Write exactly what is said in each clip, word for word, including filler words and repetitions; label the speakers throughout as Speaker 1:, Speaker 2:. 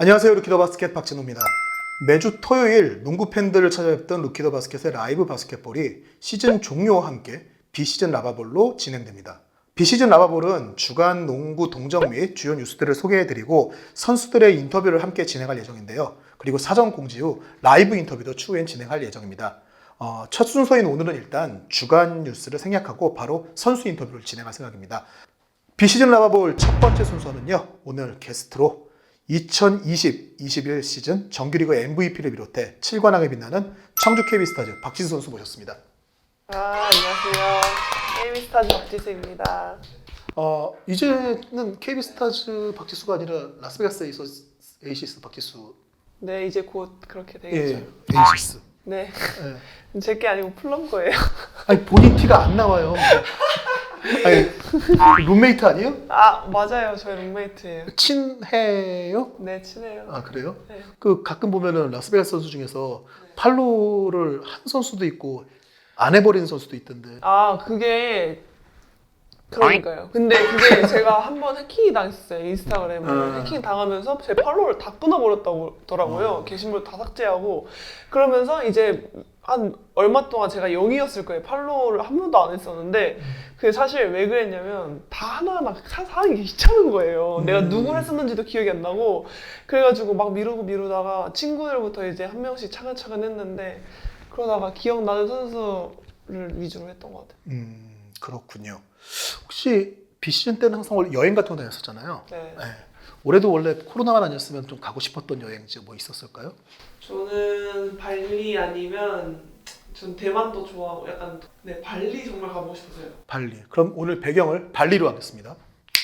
Speaker 1: 안녕하세요. 루키더 바스켓 박진호입니다. 매주 토요일 농구 팬들을 찾아뵙던 루키더 바스켓의 라이브 바스켓볼이 시즌 종료와 함께 비시즌 라바볼로 진행됩니다. 비시즌 라바볼은 주간 농구 동정 및 주요 뉴스들을 소개해드리고 선수들의 인터뷰를 함께 진행할 예정인데요. 그리고 사전 공지 후 라이브 인터뷰도 추후엔 진행할 예정입니다. 어, 첫 순서인 오늘은 일단 주간 뉴스를 생략하고 바로 선수 인터뷰를 진행할 생각입니다. 비시즌 라바볼 첫 번째 순서는요. 오늘 게스트로 이천이십 이십일 시즌 정규리그 엠브이피를 비롯해 칠 관왕에 빛나는 청주 케이비스타즈 박지수 선수 모셨습니다.
Speaker 2: 아, 안녕하세요. 케이비스타즈 박지수입니다.
Speaker 1: 어, 이제는 케이비스타즈 박지수가 아니라 라스베가스 에이시스, 에이시스 박지수.
Speaker 2: 네, 이제 곧 그렇게 되겠죠.
Speaker 1: 예, 에이시스.
Speaker 2: 네.
Speaker 1: 예.
Speaker 2: 제게 아니고 플럼 거예요.
Speaker 1: 아니 본인 티가 안 나와요. 아니 룸메이트 아니에요?
Speaker 2: 아, 맞아요. 저희 룸메이트예요.
Speaker 1: 친해요?
Speaker 2: 네, 친해요.
Speaker 1: 아 그래요?
Speaker 2: 네.
Speaker 1: 그 가끔 보면은 라스베가스 선수 중에서 팔로우를 한 선수도 있고 안 해버리는 선수도 있던데.
Speaker 2: 아, 그게 그러니까요. 근데 그게 제가 한번 해킹이 당했어요. 인스타그램을
Speaker 1: 음.
Speaker 2: 해킹 당하면서 제 팔로우를 다 끊어버렸더라고요.
Speaker 1: 음.
Speaker 2: 게시물 다 삭제하고 그러면서 이제 한 얼마 동안 제가 영이었을 거예요. 팔로우를 한 번도 안 했었는데 그게 사실 왜 그랬냐면 다 하나하나 사- 사는 게 귀찮은 거예요.
Speaker 1: 음.
Speaker 2: 내가 누구를 했었는지도 기억이 안 나고 그래가지고 막 미루고 미루다가 친구들부터 이제 한 명씩 차근차근 했는데 그러다가 기억나는 선수를 위주로 했던 것 같아요.
Speaker 1: 음 그렇군요. 혹시 비시즌 때는 항상 원래 여행 같은 거 다녔었잖아요.
Speaker 2: 네.
Speaker 1: 네. 올해도 원래 코로나만 아니었으면 좀 가고 싶었던 여행지 뭐 있었을까요?
Speaker 2: 저는 발리 아니면 전 대만도 좋아하고 약간 네 발리 정말 가보고 싶어서요.
Speaker 1: 발리. 그럼 오늘 배경을 발리로 하겠습니다.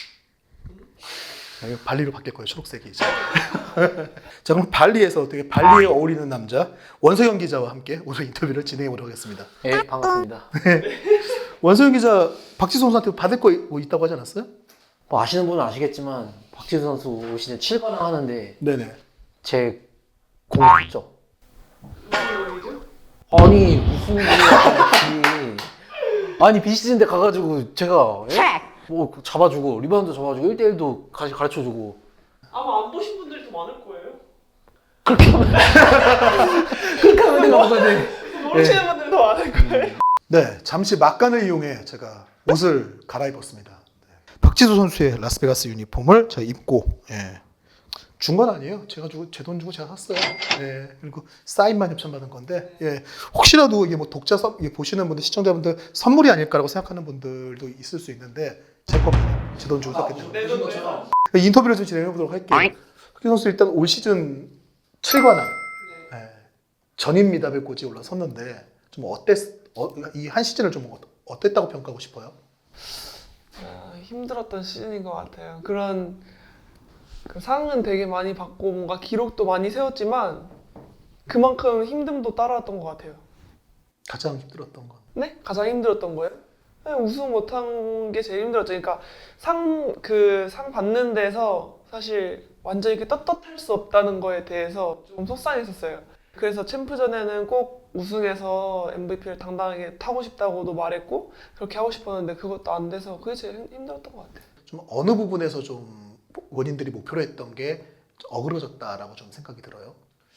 Speaker 1: 네, 발리로 바뀔 거예요. 초록색이 이제. 자 그럼 발리에서 되게 발리에 어울리는 남자 원서영 기자와 함께 오늘 인터뷰를 진행해 보도록 하겠습니다.
Speaker 3: 네, 반갑습니다.
Speaker 1: 원서영 기자 박지수 선수한테 받을 거 뭐 있다고 하지 않았어요?
Speaker 3: 뭐 아시는 분은 아시겠지만 박지수 선수 올 시즌 칠 관왕 하는데
Speaker 1: 네네.
Speaker 3: 제 공이 컸죠.
Speaker 2: 무슨 말이죠?
Speaker 3: 아니 무슨 일이야. 아니 비시즌 때 가가지고 제가 예? 뭐 잡아주고 리바운드 잡아주고 일 대일도 같이 가르쳐주고
Speaker 2: 아마 안 보신 분들이 더 많을 거예요.
Speaker 3: 그렇게 하면 그렇게 하면 내가 뭐가 돼.
Speaker 2: 모르시는 분들이 더 많을 거예요.
Speaker 1: 네, 잠시 막간을 이용해 제가 옷을 갈아입었습니다. 네. 박지수 선수의 라스베가스 유니폼을 제가 입고 예. 준 건 아니에요. 제가 주고 제 돈 주고 제가 샀어요. 예. 그리고 사인만 협찬받은 건데 예. 혹시라도 이게 뭐 독자 선 이게 보시는 분들 시청자분들 선물이 아닐까라고 생각하는 분들도 있을 수 있는데 제 겁니다. 제 돈 주고 샀기 때문에.
Speaker 2: 내 돈도요.
Speaker 1: 인터뷰를 좀 진행해 보도록 할게요. 박지수 선수 일단 올 시즌 칠 관왕 예. 전임 미답의 꽃이 올라섰는데 좀 어땠 어, 이 한 시즌을 좀 어- 어땠다고 평가하고 싶어요?
Speaker 2: 아, 힘들었던 시즌인 것 같아요. 그런 그 상은 되게 많이 받고 뭔가 기록도 많이 세웠지만 그만큼 힘듦도 따라왔던 것 같아요.
Speaker 1: 가장 힘들었던 건.
Speaker 2: 네? 가장 힘들었던 거예요? 네, 우승 못한 게 제일 힘들었죠. 그러니까 상, 그 상 받는 데서 사실 완전히 이렇게 떳떳할 수 없다는 거에 대해서 좀 속상했었어요. 그래서 챔프전에는 꼭 우승해서 엠브이피를 당당하게 타고 싶다고도 말했고 그렇게 하고 싶었는데 그것도 안 돼서 그게 제일 힘- 힘들었던 것 같아요.
Speaker 1: 좀 어느 부분에서 좀 원인들이 목표로 했던 게 어그러졌다라고 좀 생각이 들어요.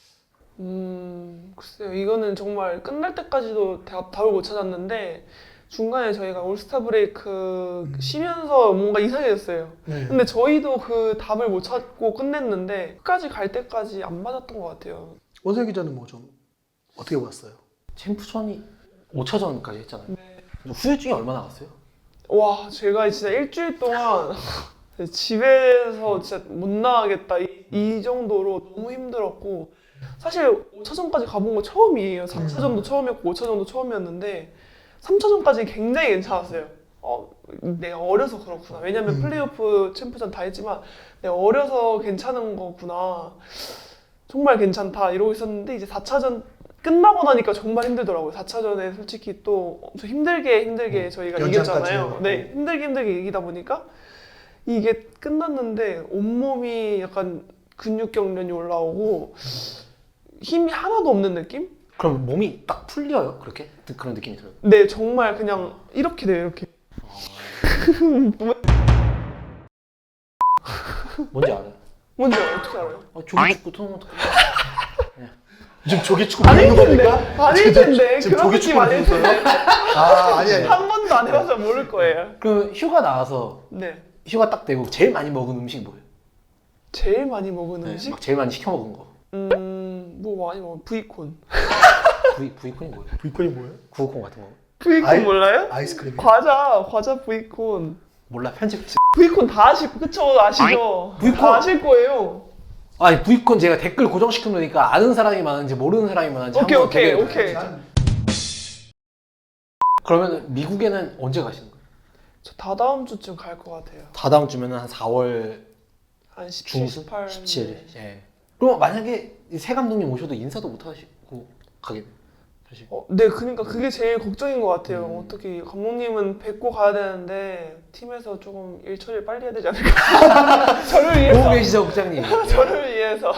Speaker 2: 음, 글쎄요. 이거는 정말 끝날 때까지도 다- 답을 못 찾았는데 중간에 저희가 올스타 브레이크
Speaker 1: 음.
Speaker 2: 쉬면서 뭔가 이상해졌어요.
Speaker 1: 네.
Speaker 2: 근데 저희도 그 답을 못 찾고 끝냈는데 끝까지 갈 때까지 안 맞았던 것 같아요.
Speaker 1: 원세 기자는 뭐 좀 어떻게 봤어요?
Speaker 3: 챔프전이 오 차전까지 했잖아요.
Speaker 2: 네.
Speaker 3: 후유증이 얼마나 갔어요?
Speaker 2: 와, 제가 진짜 일주일 동안 집에서 진짜 못 나가겠다 이, 이 정도로 너무 힘들었고 사실 오 차전까지 가본 거 처음이에요. 사 차전도 처음이었고 오 차전도 처음이었는데 삼 차전까지 굉장히 괜찮았어요. 어, 내가 어려서 그렇구나. 왜냐면
Speaker 1: 음.
Speaker 2: 플레이오프 챔프전 다 했지만 내가 어려서 괜찮은 거구나. 정말 괜찮다 이러고 있었는데 이제 사 차전 끝나고 나니까 정말 힘들더라고요. 사 차전에 솔직히 또 엄청 힘들게 힘들게
Speaker 1: 음,
Speaker 2: 저희가
Speaker 1: 연장까지
Speaker 2: 이겼잖아요.
Speaker 1: 해요.
Speaker 2: 네, 힘들게 힘들게 이기다 보니까 이게 끝났는데 온몸이 약간 근육 경련이 올라오고 힘이 하나도 없는 느낌?
Speaker 3: 그럼 몸이 딱 풀려요? 그렇게? 그런 느낌이 들어요.
Speaker 2: 네, 정말 그냥 이렇게 돼요, 이렇게.
Speaker 3: 뭔지 알아요?
Speaker 2: 뭔지 어떻게 알아요?
Speaker 3: 아, 조기 축구 토너먼트.
Speaker 1: 지금 조기 축구
Speaker 2: 아닐
Speaker 1: 보는
Speaker 2: 텐데.
Speaker 1: 겁니까?
Speaker 2: 아닐 텐데.
Speaker 1: 지금
Speaker 2: 그런
Speaker 1: 조기
Speaker 2: 느낌
Speaker 1: 축구를
Speaker 2: 아닐
Speaker 1: 보는
Speaker 2: 텐데.
Speaker 1: 아, 아니 아니.
Speaker 2: 한 번도 안 해봐서 모를 거예요.
Speaker 3: 그럼 휴가 나와서
Speaker 2: 네.
Speaker 3: 휴가 딱 되고 제일 많이 먹은 음식 뭐예요?
Speaker 2: 제일 많이 먹은
Speaker 3: 네,
Speaker 2: 음식?
Speaker 3: 막 제일 많이 시켜 먹은 거.
Speaker 2: 음, 뭐 많이 먹은 브이콘.
Speaker 3: 부이 부이콘이 뭐예요?
Speaker 1: 불꽃이 뭐예요?
Speaker 3: 구우콘 같은 거.
Speaker 2: 브이콘
Speaker 1: 아이-
Speaker 2: 몰라요?
Speaker 1: 아이스크림.
Speaker 2: 과자, 과자 브이콘.
Speaker 3: 몰라 편집.
Speaker 2: 브이콘 다 아시, 그쵸? 아시죠?
Speaker 3: 브이콘.
Speaker 2: 다 아실 거예요.
Speaker 3: 아니 부이콘 제가 댓글 고정시켜 놓으니까 아는 사람이 많은지 모르는 사람이 많은지
Speaker 2: 오케이,
Speaker 3: 한번
Speaker 2: 오케이,
Speaker 3: 대결해
Speaker 2: 오케이.
Speaker 3: 봐요. 그러면 미국에는 언제 가시는 거예요?
Speaker 2: 저 다다음 주쯤 갈 것 같아요.
Speaker 3: 다다음 주면은 한 사월
Speaker 2: 한 십칠,
Speaker 3: 중순?
Speaker 2: 십팔.
Speaker 3: 십칠. 예. 그럼 만약에 이새 감독님 오셔도 인사도 못 하시고 가게 돼요. 사실.
Speaker 2: 어, 네, 그러니까 그게 제일 걱정인 것 같아요.
Speaker 3: 음.
Speaker 2: 어떻게 감독님은 뵙고 가야 되는데 팀에서 조금 일 처리를 빨리 해야 되지 않을까? 저를
Speaker 3: 보고
Speaker 2: 위해서.
Speaker 3: 계시죠, 국장님?
Speaker 2: 저를 위해서.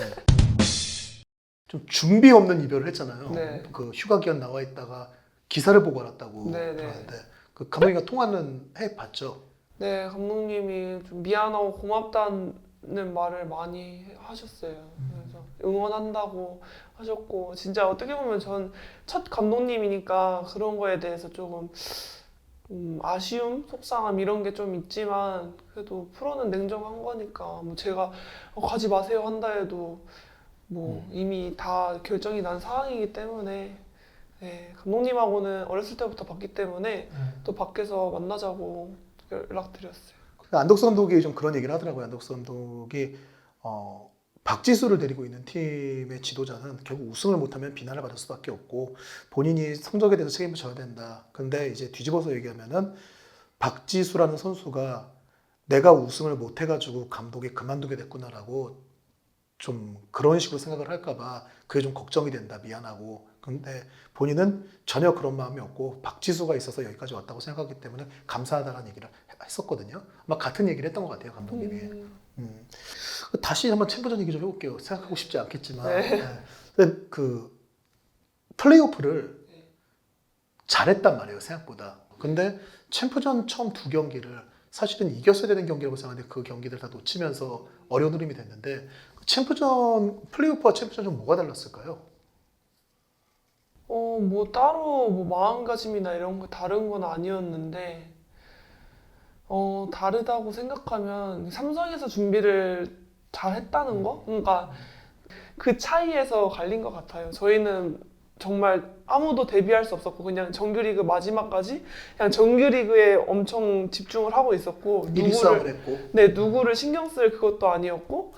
Speaker 1: 좀 준비 없는 이별을 했잖아요.
Speaker 2: 네.
Speaker 1: 그 휴가 기간 나와 있다가 기사를 보고 알았다고
Speaker 2: 네, 네.
Speaker 1: 들었는데 그 감독님과 통화는 해 봤죠.
Speaker 2: 네, 감독님이 좀 미안하고 고맙다는 말을 많이 하셨어요. 그래서 응원한다고 하셨고, 진짜 어떻게 보면 전 첫 감독님이니까 그런 거에 대해서 조금 음, 아쉬움, 속상함 이런 게 좀 있지만 그래도 프로는 냉정한 거니까 뭐 제가 어, 가지 마세요 한다 해도 뭐 이미 다 결정이 난 상황이기 때문에 네, 감독님하고는 어렸을 때부터 봤기 때문에 또 밖에서 만나자고 연락드렸어요.
Speaker 1: 안덕수 감독이 좀 그런 얘기를 하더라고요. 안덕수 감독이 어, 박지수를 데리고 있는 팀의 지도자는 결국 우승을 못하면 비난을 받을 수밖에 없고 본인이 성적에 대해서 책임을 져야 된다. 근데 이제 뒤집어서 얘기하면은 박지수라는 선수가 내가 우승을 못 해가지고 감독이 그만두게 됐구나라고 좀 그런 식으로 생각을 할까봐 그게 좀 걱정이 된다. 미안하고. 근데 본인은 전혀 그런 마음이 없고 박지수가 있어서 여기까지 왔다고 생각하기 때문에 감사하다는 얘기를 했었거든요. 아마 같은 얘기를 했던 것 같아요, 감독님이.
Speaker 2: 음,
Speaker 1: 음. 다시 한번 챔프전 얘기 좀 해볼게요. 생각하고 싶지 않겠지만.
Speaker 2: 네.
Speaker 1: 네. 근데 그 플레이오프를 잘했단 말이에요, 생각보다. 근데 챔프전 처음 두 경기를 사실은 이겼어야 되는 경기라고 생각하는데 그 경기들 다 놓치면서 어려운 흐름이 됐는데 챔프전, 플레이오프와 챔프전 좀 뭐가 달랐을까요?
Speaker 2: 어, 뭐 따로 뭐 마음가짐이나 이런 거 다른 건 아니었는데 어, 다르다고 생각하면 삼성에서 준비를 잘 했다는 거? 그러니까 그 차이에서 갈린 것 같아요. 저희는 정말 아무도 데뷔할 수 없었고 그냥 정규리그 마지막까지 그냥 정규리그에 엄청 집중을 하고 있었고
Speaker 1: 일 위 싸움을 했고.
Speaker 2: 네, 누구를 신경 쓸 그것도 아니었고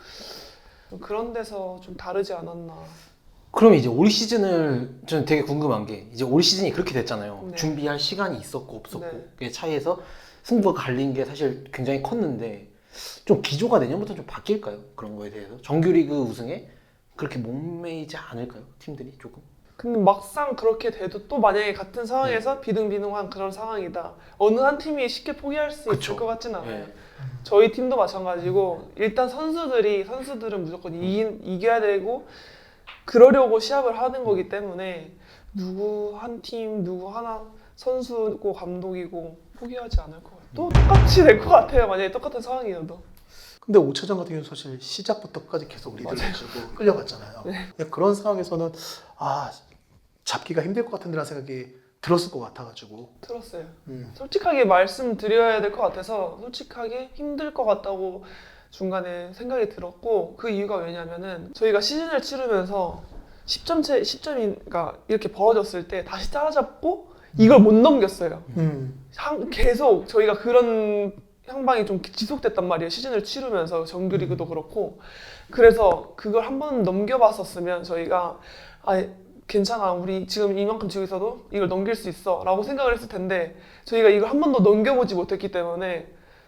Speaker 2: 그런 데서 좀 다르지 않았나.
Speaker 3: 그럼 이제 올 시즌을 저는 되게 궁금한 게 이제 올 시즌이 그렇게 됐잖아요.
Speaker 2: 네.
Speaker 3: 준비할 시간이 있었고 없었고
Speaker 2: 네.
Speaker 3: 그 차이에서 승부가 갈린 게 사실 굉장히 컸는데 좀 기조가 내년부터 좀 바뀔까요? 그런 거에 대해서 정규리그 우승에 그렇게 목매이지 않을까요? 팀들이 조금?
Speaker 2: 근데 막상 그렇게 돼도 또 만약에 같은
Speaker 3: 네.
Speaker 2: 상황에서 비등비등한 그런 상황이다. 어느 한 팀이 쉽게 포기할 수
Speaker 3: 그쵸.
Speaker 2: 있을 것 같진 않아요.
Speaker 3: 네.
Speaker 2: 저희 팀도 마찬가지고 일단 선수들이 선수들은 무조건 이, 이겨야 되고 그러려고 시합을 하는 거기 때문에 누구 한 팀 누구 하나 선수고 감독이고 포기하지 않을 것 같아요. 또 똑같이 될 것 같아요. 만약에 똑같은 상황이어도.
Speaker 1: 근데 오 차전 같은 경우는 사실 시작부터까지 계속 리드를 해주고 끌려갔잖아요.
Speaker 2: 네.
Speaker 1: 그런 상황에서는 아 잡기가 힘들 것 같은데라는 생각이 들었을 것 같아가지고.
Speaker 2: 들었어요.
Speaker 1: 음.
Speaker 2: 솔직하게 말씀드려야 될 것 같아서 솔직하게 힘들 것 같다고 중간에 생각이 들었고 그 이유가 왜냐면은 저희가 시즌을 치르면서 십 점 차, 십 점이 그러니까 이렇게 벌어졌을 때 다시 따라잡고 이걸 못 넘겼어요.
Speaker 1: 음.
Speaker 2: 한- 계속 저희가 그런 향방이 좀 지속됐단 말이에요. 시즌을 치르면서 정규리그도 그렇고 그래서 그걸 한 번 넘겨봤었으면 저희가 아 괜찮아 우리 지금 이만큼 지고 있어도 이걸 넘길 수 있어 라고 생각을 했을 텐데 저희가 이걸 한 번도 넘겨보지 못했기 때문에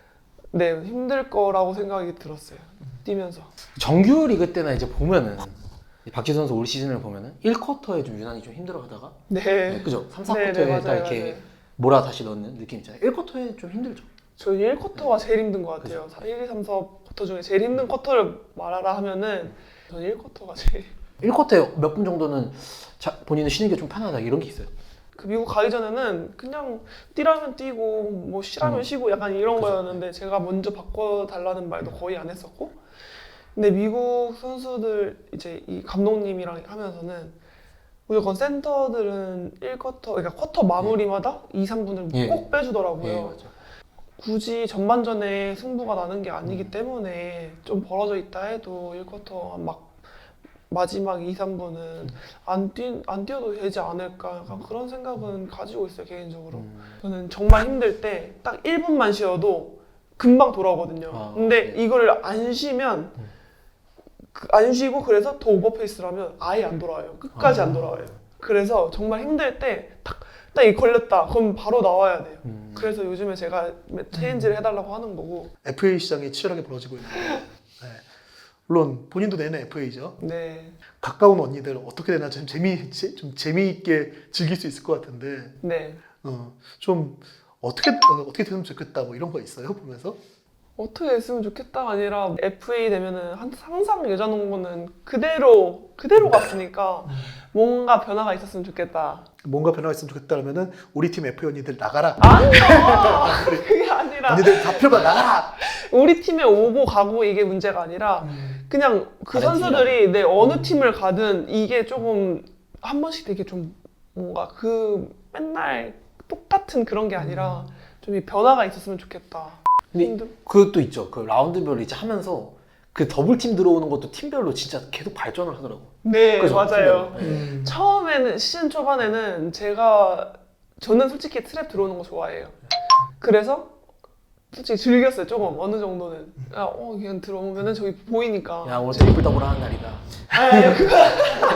Speaker 2: 네 힘들 거라고 생각이 들었어요. 뛰면서.
Speaker 3: 정규리그 때나 이제 보면은 박지수 선수 올 시즌을 보면은 일 쿼터에 좀 유난히 좀 힘들어하다가
Speaker 2: 네.
Speaker 3: 네, 그죠? 삼, 사
Speaker 2: 네,
Speaker 3: 쿼터에
Speaker 2: 네,
Speaker 3: 딱
Speaker 2: 맞아요,
Speaker 3: 이렇게
Speaker 2: 맞아요.
Speaker 3: 몰아 다시 넣는 느낌 있잖아요. 일 쿼터에 좀 힘들죠.
Speaker 2: 저희 일 쿼터가 제일 힘든 것 같아요. 일, 이, 삼, 사 쿼터 중에 제일 힘든 쿼터를 말하라 하면은 저는 일 쿼터가 제일
Speaker 3: 일 쿼터에 몇 분 정도는 자, 본인은 쉬는 게 좀 편하다 이런 게 있어요.
Speaker 2: 그 미국 가기 전에는 그냥 뛰라면 뛰고 뭐 쉬라면
Speaker 3: 음.
Speaker 2: 쉬고 약간 이런
Speaker 3: 그죠.
Speaker 2: 거였는데 제가 먼저 바꿔달라는 말도 거의 안 했었고 근데 미국 선수들 이제 이 감독님이랑 하면서는 무조건 센터들은 일 쿼터, 그러니까 쿼터 마무리마다 이, 삼 분을
Speaker 3: 예.
Speaker 2: 꼭 빼주더라고요.
Speaker 3: 예, 맞아.
Speaker 2: 굳이 전반전에 승부가 나는 게 아니기
Speaker 3: 음.
Speaker 2: 때문에 좀 벌어져 있다 해도 일 쿼터 막 마지막 이, 삼 분은 안, 뛰, 안 뛰어도 되지 않을까 약간 그런 생각은 가지고 있어요 개인적으로.
Speaker 3: 음.
Speaker 2: 저는 정말 힘들 때 딱 일 분만 쉬어도 금방 돌아오거든요.
Speaker 3: 아,
Speaker 2: 근데
Speaker 3: 네.
Speaker 2: 이걸 안 쉬면
Speaker 3: 음.
Speaker 2: 그- 안 쉬고 그래서 더 오버페이스를 하면 아예 안 돌아와요. 끝까지
Speaker 3: 아.
Speaker 2: 안 돌아와요. 그래서 정말 힘들 때 딱 딱 이 걸렸다 그럼 바로 나와야 돼요.
Speaker 3: 음.
Speaker 2: 그래서 요즘에 제가 체인지를 해달라고 하는 거고.
Speaker 1: 에프에이 시장이 치열하게 벌어지고 있는 거예요. 네. 물론 본인도 내는 에프에이죠.
Speaker 2: 네,
Speaker 1: 가까운 언니들 어떻게 되나 좀 재미 제- 좀 재미있게 즐길 수 있을 것 같은데
Speaker 2: 네.
Speaker 1: 어, 좀 어떻게 어, 어떻게 되면 좋겠다 뭐 이런 거 있어요 보면서?
Speaker 2: 어떻게 했으면 좋겠다가 아니라 에프에이 되면은 한- 항상 여자 농구는 그대로 그대로 갔으니까 뭔가 변화가 있었으면 좋겠다.
Speaker 1: 뭔가 변화가 있으면 좋겠다 그러면은 우리 팀 에프에이 언니들 나가라.
Speaker 2: 아니요, 그게 아니라
Speaker 1: 언니들 다 필요가 나가라.
Speaker 2: 우리 팀에 오고 가고 이게 문제가 아니라 그냥 그
Speaker 3: 다른
Speaker 2: 선수들이 내 어느 팀을 가든 이게 조금 한 번씩 되게 좀 뭔가 그 맨날 똑같은 그런 게 아니라 좀 이 변화가 있었으면 좋겠다.
Speaker 3: 근데
Speaker 2: 힘들-
Speaker 3: 그것도 있죠. 그 라운드별 이제 하면서 그 더블 팀 들어오는 것도 팀별로 진짜 계속 발전을 하더라고.
Speaker 2: 네,
Speaker 3: 그죠?
Speaker 2: 맞아요.
Speaker 3: 팀별로. 네.
Speaker 1: 음.
Speaker 2: 처음에는 시즌 초반에는 제가 저는 솔직히 트랩 들어오는 거 좋아해요. 그래서 솔직히 즐겼어요 조금 어느 정도는. 야, 어 그냥 들어오면은 저기 보이니까.
Speaker 3: 야, 오늘 트리플 더블 하는 날이다.
Speaker 2: 아니 아니, 그거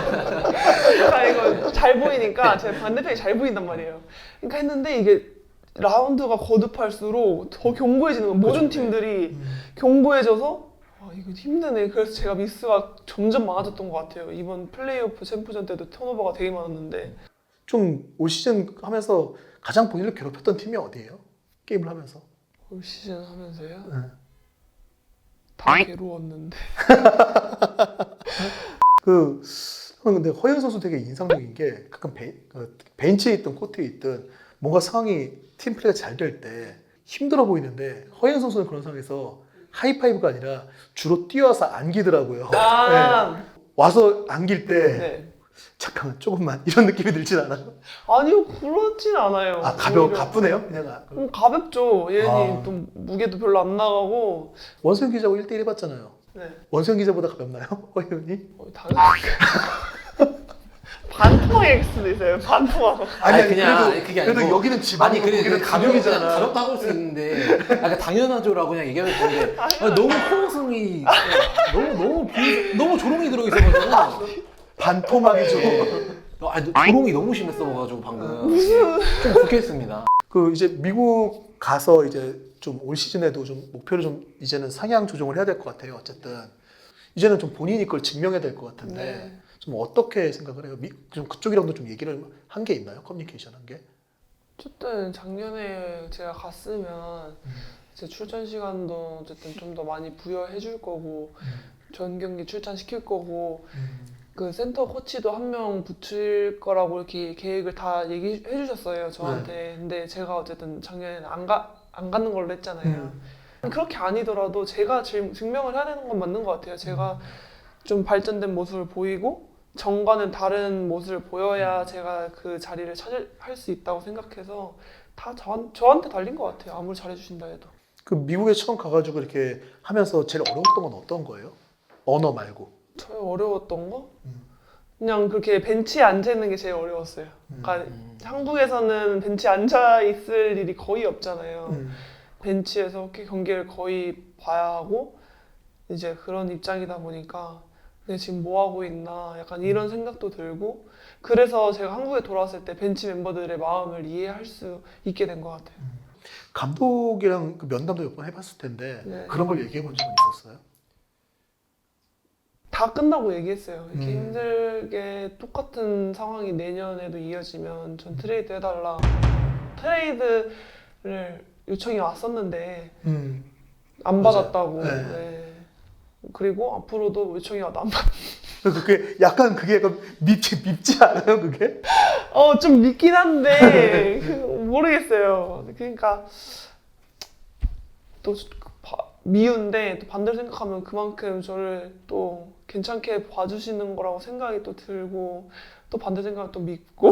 Speaker 2: 아 이거 잘 보이니까 제 반대편이 잘 보인단 말이에요. 그러니까 했는데 이게 라운드가 거듭할수록 더 견고해지는 거예요. 모든
Speaker 3: 그죠.
Speaker 2: 팀들이
Speaker 1: 음.
Speaker 2: 견고해져서 아 이거 힘드네. 그래서 제가 미스가 점점 많아졌던 것 같아요. 이번 플레이오프 챔프전 때도 턴오버가 되게 많았는데.
Speaker 1: 좀 올 시즌 하면서 가장 본인을 괴롭혔던 팀이 어디예요? 게임을 하면서.
Speaker 2: 올 시즌 하면서요?
Speaker 1: 네.
Speaker 2: 다 괴로웠는데.
Speaker 1: 그 저는 근데 허연 선수 되게 인상적인 게 가끔 베, 그 벤치에 있든 코트에 있든 뭔가 상황이 팀 플레이가 잘 될 때 힘들어 보이는데 허연 선수는 그런 상황에서 하이파이브가 아니라 주로 뛰어와서 안기더라고요.
Speaker 2: 아,
Speaker 1: 네. 와서 안길 때
Speaker 2: 네.
Speaker 1: 잠깐만 조금만 이런 느낌이 들진 않아요?
Speaker 2: 아니요, 그렇진 않아요.
Speaker 1: 아 가벼워
Speaker 2: 오히려.
Speaker 1: 가쁘네요 그냥. 아,
Speaker 2: 음, 가볍죠. 얘는
Speaker 1: 아.
Speaker 2: 또 무게도 별로 안 나가고.
Speaker 1: 원수영 기자하고 일 대일 해봤잖아요.
Speaker 2: 네.
Speaker 1: 원수영 기자보다 가볍나요? 허연이?
Speaker 2: 어, 당연히. 반토막일 수도 있어요. 반토막.
Speaker 3: 아니, 그냥
Speaker 1: 그래도,
Speaker 3: 그게
Speaker 1: 그래도
Speaker 3: 아니고
Speaker 1: 여기는 지방이고
Speaker 3: 아니 그래
Speaker 1: 거기는
Speaker 3: 가볍
Speaker 1: 가볍이잖아.
Speaker 3: 가볍다고 할 수 있는데 아, 당연하죠라고 그냥 얘기하면 되는데 아니, 너무 호응성이 너무 너무 비, 너무 조롱이 들어 있어가지고
Speaker 1: 반토막이죠.
Speaker 3: 아니, 조롱이 너무 심했어가지고 방금 예, 좀 불쾌했습니다.
Speaker 1: 그 이제 미국 가서 이제 좀 올 시즌에도 좀 목표를 좀 이제는 상향 조정을 해야 될 것 같아요. 어쨌든 이제는 좀 본인이 그걸 증명해야 될 것 같은데
Speaker 2: 네.
Speaker 1: 좀 어떻게 생각을 해요? 미, 좀 그쪽이랑도 좀 얘기를 한 게 있나요? 커뮤니케이션 한 게?
Speaker 2: 어쨌든 작년에 제가 갔으면 제 출전 시간도 어쨌든 좀 더 많이 부여해 줄 거고 전 경기 출전시킬 거고 그 센터 코치도 한 명 붙일 거라고 이렇게 계획을 다 얘기해 주셨어요 저한테. 근데 제가 어쨌든 작년에는 안 가, 안 가는 걸로 했잖아요. 그렇게 아니더라도 제가 증, 증명을 해야 되는 건 맞는 것 같아요. 제가 좀 발전된 모습을 보이고 전과는 다른 모습을 보여야 제가 그 자리를 차지할 수 있다고 생각해서 다 저, 저한테 달린 것 같아요. 아무리 잘해주신다 해도.
Speaker 1: 그 미국에 처음 가가지고 이렇게 하면서 제일 어려웠던 건 어떤 거예요? 언어 말고.
Speaker 2: 제일 어려웠던 거?
Speaker 1: 음.
Speaker 2: 그냥 그렇게 벤치에 앉아 있는 게 제일 어려웠어요. 그러니까
Speaker 3: 음.
Speaker 2: 한국에서는 벤치에 앉아 있을 일이 거의 없잖아요.
Speaker 1: 음.
Speaker 2: 벤치에서 이렇게 경기를 거의 봐야 하고 이제 그런 입장이다 보니까 내가 지금 뭐 하고 있나 약간 이런 생각도 들고 그래서 제가 한국에 돌아왔을 때 벤치 멤버들의 마음을 이해할 수 있게 된 것 같아요.
Speaker 1: 감독이랑 그 면담도 몇 번 해봤을 텐데
Speaker 2: 네.
Speaker 1: 그런 걸 얘기해 본 적은 있었어요?
Speaker 2: 다 끝나고 얘기했어요. 이렇게
Speaker 1: 음.
Speaker 2: 힘들게 똑같은 상황이 내년에도 이어지면 전 트레이드 해달라. 트레이드를 요청이 왔었는데
Speaker 1: 음.
Speaker 2: 안
Speaker 1: 맞아요.
Speaker 2: 받았다고.
Speaker 1: 네.
Speaker 2: 네. 그리고 앞으로도 요청이 와도 안 받.
Speaker 1: 그게 약간 그게 약간 밉지 밉지 않아요 그게?
Speaker 2: 어, 좀 믿긴 한데 그, 모르겠어요. 그러니까 또 바, 미운데 또 반대로 생각하면 그만큼 저를 또 괜찮게 봐주시는 거라고 생각이 또 들고 또 반대 생각을 또 믿고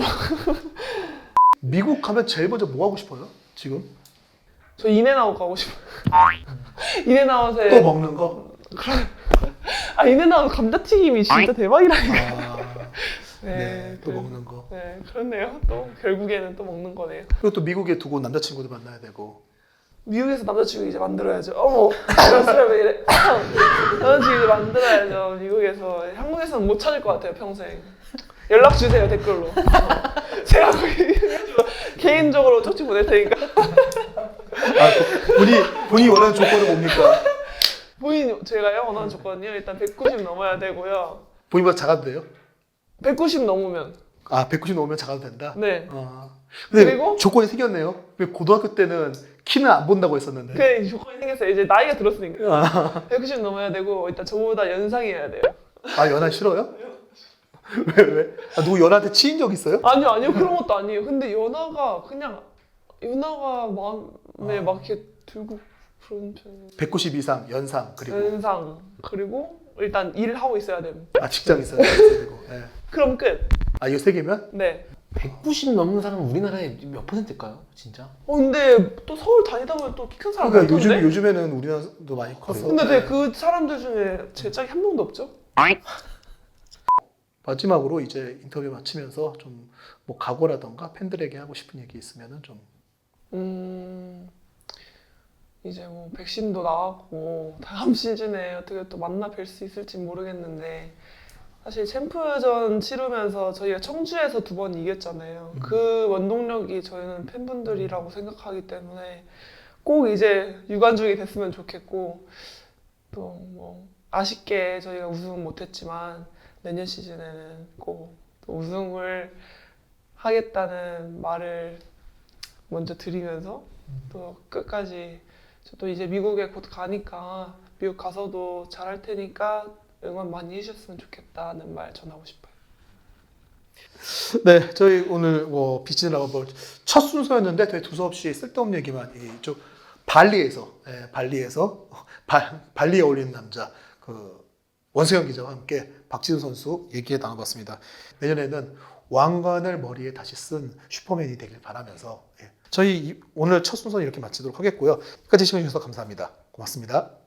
Speaker 1: 미국 가면 제일 먼저 뭐 하고 싶어요? 지금?
Speaker 2: 저 인앤아웃 가고 싶어요. 인앤아웃에
Speaker 1: 또 먹는 거?
Speaker 2: 아 인앤아웃 감자튀김이 진짜 대박이라니까.
Speaker 1: 아, 네, 또
Speaker 2: 그-
Speaker 1: 먹는 거.
Speaker 2: 네, 그렇네요. 또 결국에는 또 먹는 거네요.
Speaker 1: 그리고 또 미국에 두고 남자친구도 만나야 되고.
Speaker 2: 미국에서 남자친구 이제 만들어야죠. 어머, 이런 사람이 이래. 남자친구 이제 만들어야죠. 미국에서. 한국에서는 못 찾을 것 같아요, 평생. 연락 주세요, 댓글로. 제가 거기 개인적으로 쪽지 보낼 테니까.
Speaker 1: 아, 본인, 본인이 원하는 조건은 뭡니까?
Speaker 2: 본인, 제가요, 원하는 조건이요? 일단 백구십 넘어야 되고요.
Speaker 1: 본인보다 작아도 돼요?
Speaker 2: 백구십 넘으면.
Speaker 1: 아, 백구십 넘으면 작아도 된다?
Speaker 2: 네.
Speaker 1: 아, 근데
Speaker 2: 그리고?
Speaker 1: 조건이 생겼네요. 왜 고등학교 때는 키는 안 본다고 했었는데.
Speaker 2: 그 조건이 생겼어요. 이제 나이가 들었으니까.
Speaker 1: 아,
Speaker 2: 백구십 넘어야 되고, 일단 저보다 연상이어야 돼요.
Speaker 1: 아, 연하 싫어요? 왜, 왜? 아, 누구 연하한테 치인 적 있어요?
Speaker 2: 아니요, 아니요. 그런 것도 아니에요. 근데 연하가 그냥, 연하가 마음에
Speaker 1: 아.
Speaker 2: 막 이렇게 들고 그런 편이에요.
Speaker 1: 백구십 이상, 연상, 그리고
Speaker 2: 연상. 그리고 일단 일하고 있어야 됨.
Speaker 1: 아, 직장 있어요. 그리고, 예.
Speaker 2: 그럼 끝.
Speaker 1: 아, 이거 세 개면?
Speaker 2: 네.
Speaker 3: 백구십 넘는 사람은 우리나라에 몇 퍼센트일까요? 진짜?
Speaker 2: 어, 근데 또 서울 다니다 보면 또 키 큰 사람
Speaker 1: 그러니까 요즘,
Speaker 2: 많던데?
Speaker 1: 요즘에는 우리나라도 많이 컸어.
Speaker 2: 근데
Speaker 1: 네.
Speaker 2: 네, 그 사람들 중에 제 짝이 한 명도 없죠?
Speaker 1: 마지막으로 이제 인터뷰 마치면서 좀 뭐 각오라던가 팬들에게 하고 싶은 얘기 있으면은 좀.
Speaker 2: 음... 이제 뭐 백신도 나왔고 다음 시즌에 어떻게 또 만나 뵐 수 있을지 모르겠는데 사실 챔프전 치르면서 저희가 청주에서 두 번 이겼잖아요.
Speaker 1: 음.
Speaker 2: 그 원동력이 저희는 팬분들이라고 생각하기 때문에 꼭 이제 유관중이 됐으면 좋겠고 또 뭐 아쉽게 저희가 우승은 못했지만 내년 시즌에는 꼭 또 우승을 하겠다는 말을 먼저 드리면서 또 끝까지 저도 이제 미국에 곧 가니까 미국 가서도 잘할 테니까 응원 많이 해주셨으면 좋겠다는 말 전하고 싶어요.
Speaker 1: 네, 저희 오늘 뭐 비치는 라바볼 첫 순서였는데 되게 두서없이 쓸데없는 얘기만 이쪽 발리에서 예, 발리에서 발, 발리에 어울리는 남자 그 원수영 기자와 함께 박지훈 선수 얘기 나눠봤습니다. 내년에는 왕관을 머리에 다시 쓴 슈퍼맨이 되길 바라면서 예. 저희 이- 오늘 첫 순서는 이렇게 마치도록 하겠고요. 끝까지 시청해주셔서 감사합니다. 고맙습니다.